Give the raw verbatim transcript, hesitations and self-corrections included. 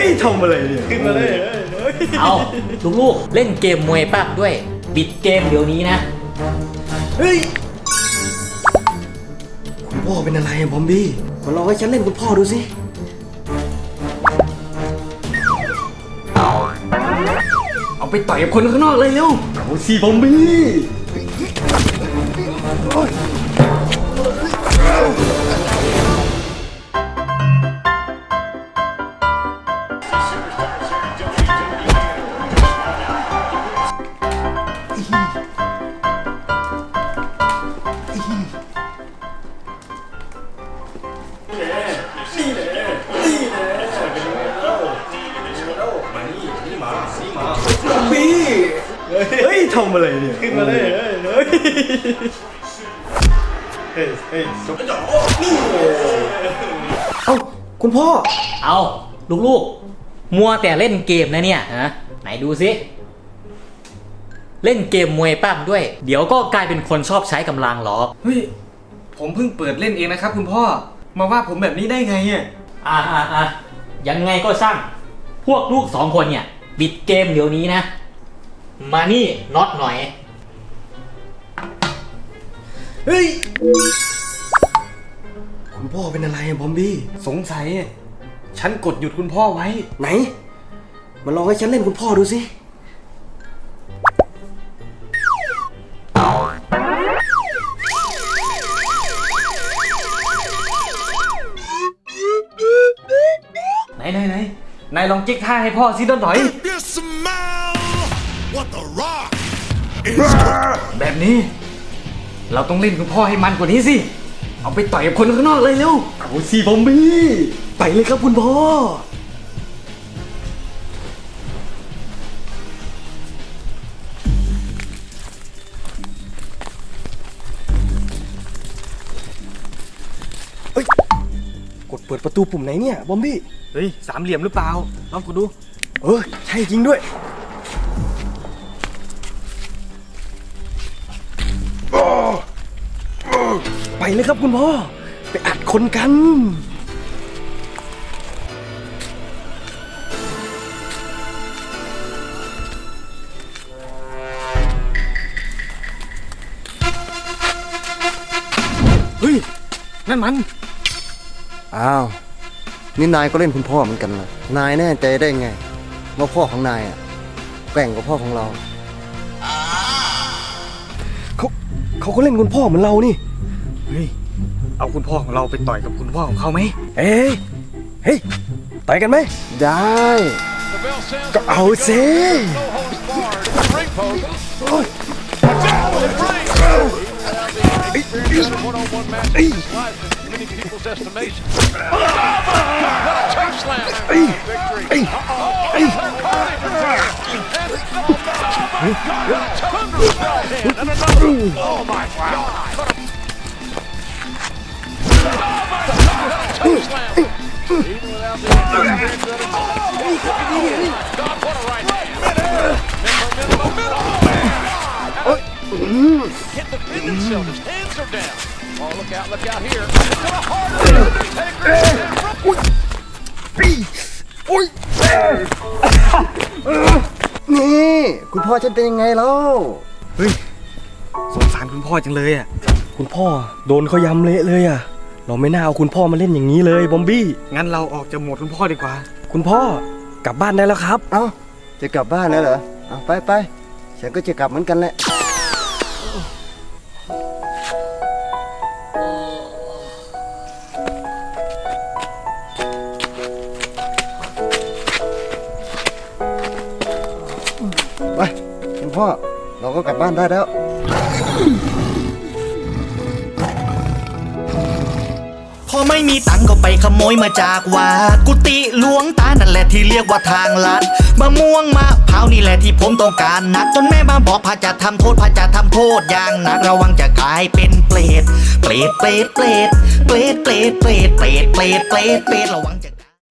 ฮ้ยทำอะไรเนี่ยขึ้นมาเลยเอาลูกๆเล่นเกมมวยปากด้วยปิดเกมเดี๋ยวนี้นะเฮ้ยคุณพ่อเป็นอะไรอะบอมบี้มาลองให้ฉันเล่นคุณพ่อดูสิเอาไปต่อยกับคนข้างนอกเลยเร็วเอาสิบอมบี้เฮ้ยทำอะไรเนี่ยขึ้นมาเลยเฮ้ยเฮ้ยเฮ้ยจบจ่อนี่เอ้าคุณพ่อเอาลูกๆมัวแต่เล่นเกมนะเนี่ยฮะไหนดูสิเล่นเกมมวยปั้มด้วยเดี๋ยวก็กลายเป็นคนชอบใช้กำลังหรอเฮ้ยผมเพิ่งเปิดเล่นเองนะครับคุณพ่อมาว่าผมแบบนี้ได้ไงเนี่ยอ่าอ่าอ่ายังไงก็ช่างพวกลูกสองคนเนี่ยปิดเกมเดี๋ยวนี้นะมานี่น็อตหน่อยเฮ้ยคุณพ่อเป็นอะไรอะบอมบี้สงสัยฉันกดหยุดคุณพ่อไว้ไหนมาลองให้ฉันเล่นคุณพ่อดูสิไหนไหนไหนนายลองจิ๊กท่าให้พ่อสิต้นถอยแบบนี้เราต้องเล่นคุณพ่อให้มันกว่านี้สิเอาไปต่อยกับคนข้างนอกเลยเร็วเอาสิบอมบี้ไปเลยครับคุณพ่อเฮ้ยกดเปิดประตูปุ่มไหนเนี่ยบอมบี้เฮ้ยสามเหลี่ยมหรือเปล่าลองกดดูเออใช่จริงด้วยไปเลยครับคุณพ่อไปอัดคนกันเฮ้ยนั่นมันอ้าวนี่นายก็เล่นคุณพ่อเหมือนกันนะนายแน่ใจได้ไงว่าพ่อของนายอ่ะแกร่งกว่าพ่อของเราเขาเขาก็เล่นคุณพ่อเหมือนเรานี่เฮ้ยเอาคุณพ่อของเราไปต่อยกับคุณพ่อของเขาไหมเอ้ยเฮ้ยต่อยกันไหมได้ก็เอาสิ Hit the pin himself. His hands are down. Oh, look out, look out here. To the heart of the Undertaker. นี่คุณพ่อฉันเป็นยังไงแล้วเฮ้ยสงสารคุณพ่อจังเลยอ่ะคุณพ่อโดนเขายำเละเลยอ่ะเราไม่น่าเอาคุณพ่อมาเล่นอย่างนี้เลยบอมบี้งั้นเราออกจากโหมดคุณพ่อดีกว่าคุณพ่อกลับบ้านได้แล้วครับเอ้าจะกลับบ้านแล้วเหรอเอาไปไปฉันก็จะกลับเหมือนกันแหละไปคุณพ่อเราก็กลับบ้านได้แล้วพอไม่มีตังก็ไปขโมยมาจากวัดกุฏิหลวงตานั่นแหละที่เรียกว่าทางลัดมะม่วงมะพร้าวนี่แหละที่ผมต้องการนักจนแม่มาบอกพระจะทำโทษพระจะทำโทษอย่างหนักระวังจะกลายเป็นเปรตเปรตเปรตเปรตเปรตเปรตเปรตเปรตเปรตเปรตเปรตระวังจะ